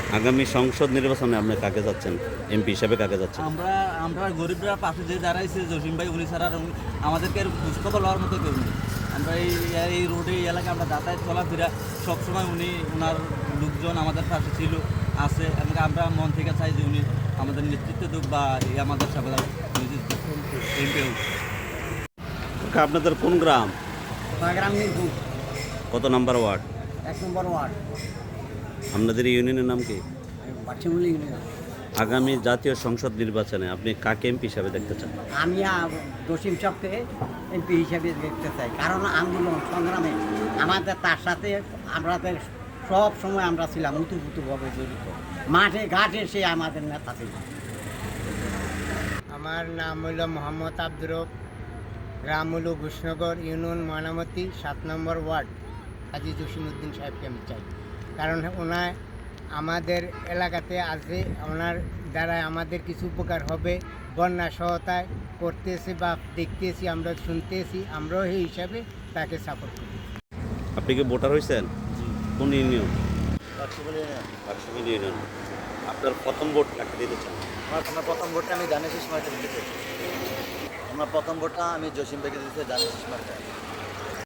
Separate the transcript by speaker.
Speaker 1: আগামী সংসদ নির্বাচনে আপনি কাকে যাচ্ছেন, এমপি হিসাবে কাকে যাচ্ছেন?
Speaker 2: আমরা আমরা গরিবরা পাশে যে দাঁড়াইছে জসিম ভাই, উনি ছাড়া আর আমাদেরকে আর খোঁজখবর লওয়ার মতো কেউ নেই। আমরা এই রোডে এই এলাকায় আমরা যাতায়াত চলাফেরা সবসময় উনি ওনার লোকজন আমাদের পাশে ছিল, আছে, এবং আমরা মন থেকে চাই যে উনি আমাদের নেতৃত্ব দেব বা আমাদের সাথে এমপি হোক।
Speaker 1: আপনাদের কোন গ্রাম,
Speaker 3: গ্রাম মিরপুর
Speaker 1: কত নাম্বার ওয়ার্ড?
Speaker 3: 1 নম্বর ওয়ার্ড
Speaker 1: আপনাদের ইউনিয়নের নাম কি?
Speaker 3: বাচ্চামুলি।
Speaker 1: আগামী জাতীয় সংসদ নির্বাচনে আপনি কাকে এমপি হিসাবে দেখতে চান?
Speaker 3: আমি জসিম সাহেবকে এমপি হিসেবে দেখতে চাই, কারণ আন্দোলন সংগ্রামে আমাদের তার সাথে আমাদের সব সময় আমরা ছিলাম উতুপুতুভাবে জড়িত, মাঠে ঘাটে সে আমাদের নেতা ছিল।
Speaker 4: আমার নাম হইল মোহাম্মদ আব্দুর রব, গ্রাম হইল ঘোষনগর, ইউনিয়ন ময়নামতি, 7 নম্বর ওয়ার্ড। হাজী জসিমউদ্দিন সাহেবকে আমি চাই, কারণ ওনার আমাদের এলাকাতে আছে, ওনার দ্বারা আমাদের কিছু উপকার হবে। বন্যা সহায়তা করতেছি বা দেখতেছি, আমরা শুনতেছি, আমরাও এই হিসাবে তাকে সাপোর্ট করি।
Speaker 1: আপনি কি ভোটার হয়েছেন? কোন ইউনিয়ন? বাক্সবুল ইউনিয়ন। আপনার প্রথম ভোট কাকে দিতে চান?
Speaker 5: আমার প্রথম ভোটটা আমি জানি সুষমাকে দিতে চাই। আমার প্রথম ভোটটা আমি জসিম ভাইকে দিতে জানি সুষমাকে।